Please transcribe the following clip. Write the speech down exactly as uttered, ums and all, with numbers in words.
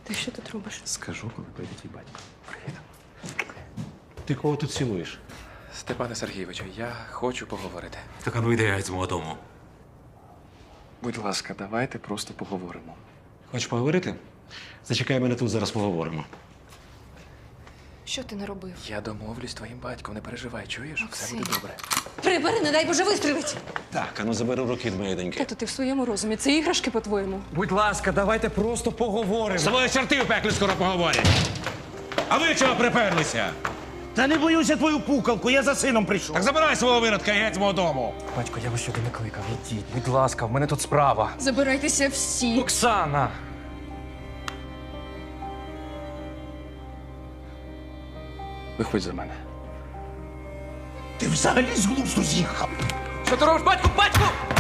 Ти що тут робиш? Скажу, коли прийде твій батько. Привіт. Ти кого тут цілуєш? Степане Сергійовичу, я хочу поговорити. Так а ну йди геть з мого дому. Будь ласка, давайте просто поговоримо. Хочеш поговорити? Зачекай мене тут, зараз поговоримо. Що ти наробив? Я домовлюсь з твоїм батьком, не переживай, чуєш? Все буде добре. Прибери, не дай Боже, вистрілить! Так, а ну забери руки від моєї доньки. Тато, ти в своєму розумі. Це іграшки, по-твоєму. Будь ласка, давайте просто поговоримо. Свої чорти в пеклі скоро поговорять. А ви чого приперлися? Та не боюся твою пукалку, я за сином прийшов. Так забирай свого виродка і геть з мого дому. Батько, я вас сюди не кликав. Ідіть, будь ласка, в мене тут справа. Забирайтеся всі. Оксана! Виходь за мене. Ти взагалі з глузду з'їхав. Що ти робиш, батьку? Батьку!